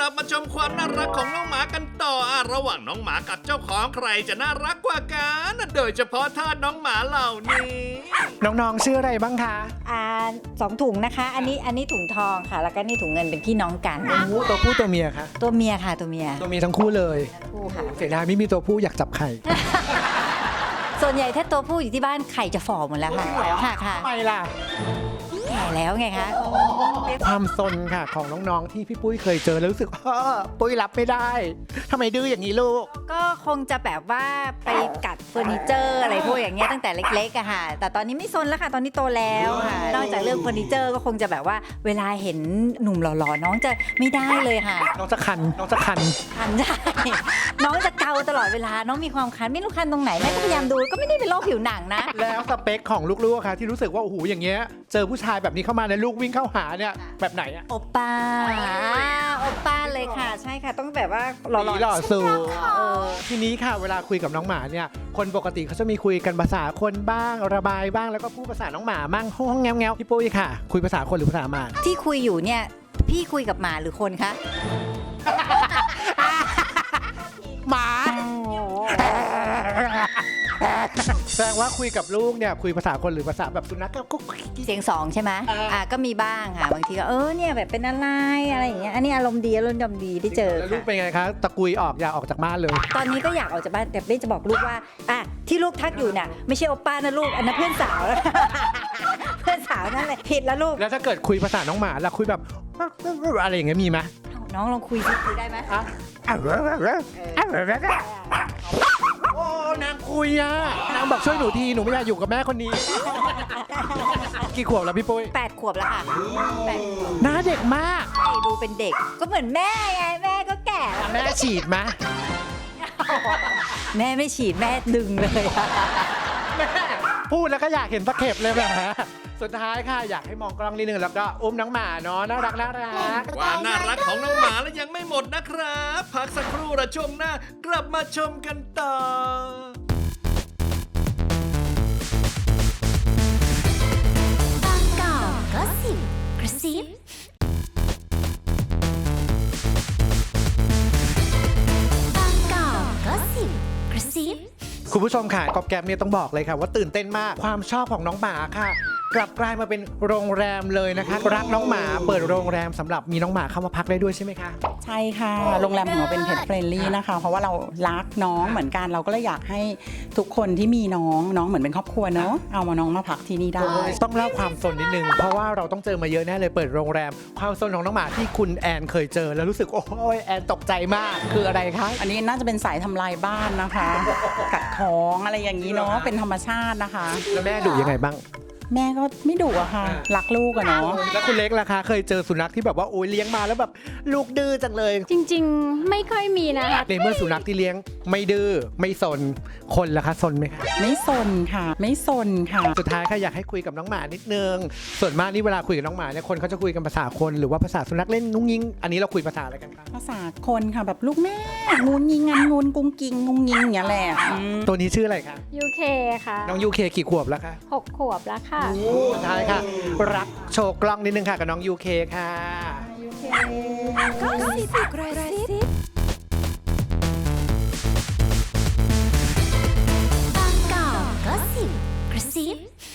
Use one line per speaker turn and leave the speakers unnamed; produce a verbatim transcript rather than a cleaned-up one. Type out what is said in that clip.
ลับมาชมความน่ารักของน้องหมากันต่ออ่ะระหว่างน้องหมากับเจ้าของใครจะน่ารักกว่ากันโดยเฉพาะท่าน้องหมาเหล่านี้
น้องๆชื่ออะไรบ้างคะ
อ่าสองถุงนะคะอันนี้อันนี้ถุงทองค่ะแล้วก็นี่ถุงเงินเป็นพี่น้องกัน
ตัวผู้ตัวเมียคะ
ตัวเมียค่ะตัวเมีย
ตัวเมียทั้งคู่เลย
คู่ค่ะ
เสียดายไม่มีตัวผู้อยากจับไข่
ส่วนใหญ่ถ้าตัวผู้อยู่ที่บ้านไข่จะฝ่อหมดแล้วค่ะค่ะค่ะ
ทำไมล่ะ
แก่แล้วไงคะ
ความซนค่ะของน้องๆที่พี่ปุ้ยเคยเจอแล้วรู้สึกว่าปุ้ยรับไม่ได้ทำไมดื้ออย่างนี้ลูก
ก็คงจะแบบว่าไปกัดเฟอร์นิเจอร์อะไรพวกอย่างเงี้ยตั้งแต่เล็กๆอะค่ะแต่ตอนนี้ไม่ซนแล้วค่ะตอนนี้โตแล้วค่ะนอกจากเรื่องเฟอร์นิเจอร์ก็คงจะแบบว่าเวลาเห็นหนุ่มหล่อๆน้องจะไม่ได้เลยค่ะ
น้องจะคันน้องจะคัน
คันได้ น้องจะเกาตลอดเวลาน้องมีความคันไม่รู้คันตรงไหนแม่ก็พยายามดูก็ไม่ได้เป็นโรคผิวหนังนะ
แล้วสเปคของลูกๆค่ะที่รู้สึกว่าโอ้โหอย่างเงี้ยเจอผู้ชายแบบนี้เข้ามาในลูกวิ่งเข้าหาเนี่ยแบบไหนอะ
โอป้าโอป้าเลยค่ะใช่ค่ะต้องแบบว่าหล่อๆ
หล่อสูงทีนี้ค่ะเวลาคุยกับน้องหมาเนี่ยคนปกติเขาจะมีคุยกันภาษาคนบ้างระบายบ้างแล้วก็พูดภาษาน้องหมามั่งห้องแง้วๆพี่ปุ้ยค่ะคุยภาษาคนหรือภาษาหมา
ที่คุยอยู่เนี่ยพี่คุยกับหมาหรือคนคะ
หมาแสดงว่าคุยกับลูกเนี่ยคุยภาษาคนหรือภาษาแบบสุนัขก็
เสียงสองใช่ไหมอ่าก็มีบ้างค่ะบางทีก็เออเนี่ยแบบเป็นอะไรอะไรอย่างเงี้ยอันนี้อารมณ์ดีอารมณ์ดีได้เจอ
แล้วลูกเป็นไงคะตะกุยออกอยากออกจากบ้านเลย
ตอนนี้ก็อยากออกจากบ้านแต่เบ้จะบอกลูกว่าอ่ะที่ลูกทักอยู่เนี่ยไม่ใช่โอป้านะลูกอันนั้นเพื่อนสาวแล้วเพื่อนสาวนั่นแหละผิดแล้วลูก
แล้วถ้าเกิดคุยภาษาน้องหมาแล้วคุยแบบอะไรอย่างเงี้ยมีไหม
น้องลองคุยสิคุยได้ไหมอ่ะ
โอ้นางคุยอ่ะนางบอกช่วยหนูทีหนูไม่อยากอยู่กับแม่คนนี้กี่ขวบแล้วพี่ปุ้ย
แปดขวบแล้วค่ะแปด
หน้าเด็กมาก
ใช่ดูเป็นเด็กก็เหมือนแม่ไงแม่ก็แก่
แม่ฉีดมะ
แม่ไม่ฉีดแม่ดึงเลย
แม่พูดแล้วก็อยากเห็นตะเข็บเลยแบบฮะสุดท้ายค่ะอยากให้มองกล้องนิดนึงแล้วก็อุ้มน้องหมาเนาะน่ารักน่ารัก
ความน่ารักของน้องหมาแล้วยังไม่หมดนะครับพักสักครู่ละช่วงหน้ากลับมาชมกันต่อบางกอกก็สิบกระซิบางกอกก็สิบกระซิบ
คุณผู้ชมค่ะกอบแกมเนี่ยต้องบอกเลยค่ะว่าตื่นเต้นมากความชอบของน้องหมาค่ะกลับกลายมาเป็นโรงแรมเลยนะคะรักน้องหมาเปิดโรงแรมสำหรับมีน้องหมาเข้ามาพักได้ด้วยใช่ไหมคะ
ใช่ค่ะโรงแรมของเราเป็น Pet Friendly นะคะเพราะว่าเรารักน้องเหมือนกันเราก็เลยอยากให้ทุกคนที่มีน้องน้องเหมือนเป็นครอบครัวเนาะเอามาน้องมาพักที่นี่ได้
ต้องเล่าความซนนิดนึงเพราะว่าเราต้องเจอมาเยอะแน่เลยเปิดโรงแรมความซนของน้องหมาที่คุณแอนเคยเจอแล้วรู้สึกโอ้ยแอนตกใจมากคืออะไรคะ
อันนี้น่าจะเป็นสายทำลายบ้านนะคะกัดท้องอะไรอย่างนี้เนาะเป็นธรรมชาตินะคะ
แล้วแม่ดุยังไงบ้าง
แม่ก็ไม่ดุอะค่ะรักลูกอะเนาะ
แล้วคุณเล็กล่ะคะเคยเจอสุนัขที่แบบว่าโอ้ยเลี้ยงมาแล้วแบบลูกดื้อจังเลย
จริงๆไม่ค่อยมีนะคะ
ในเมื่อสุนัขที่เลี้ยงไม่ดื้อไม่ซนคนล่ะคะซนไหมคะ
ไม่ซนค่ะไม่ซนค่ะ
สุดท้ายค่ะอยากให้คุยกับน้องหมานิดนึงส่วนมากนี่เวลาคุยกับน้องหมาเนี่ยคนเขาจะคุยกันภาษาคนหรือว่าภาษาสุนัขเล่นงุ้งยิงอันนี้เราคุยภาษาอะไรกันคะ
ภาษาคนค่ะแบบลูกแม่งูยิงงันงูกุ้งกิ้งงุ้งยิงอย่างเงี้ยแหละ
ตัวนี้ชื่ออะไรคะ
ยู เค ค่ะ
น้อง ยู เค กี่ขวบแล้วคะ
หกขวบแล้วค่ะ
สุดท้ายค่ะรักโชว์กล้องนิดนึงค่ะกับน้อง ยู เค ค่ะ
ยู เค ก็สิบกระซิบบางกอกก็สิบกระซิบ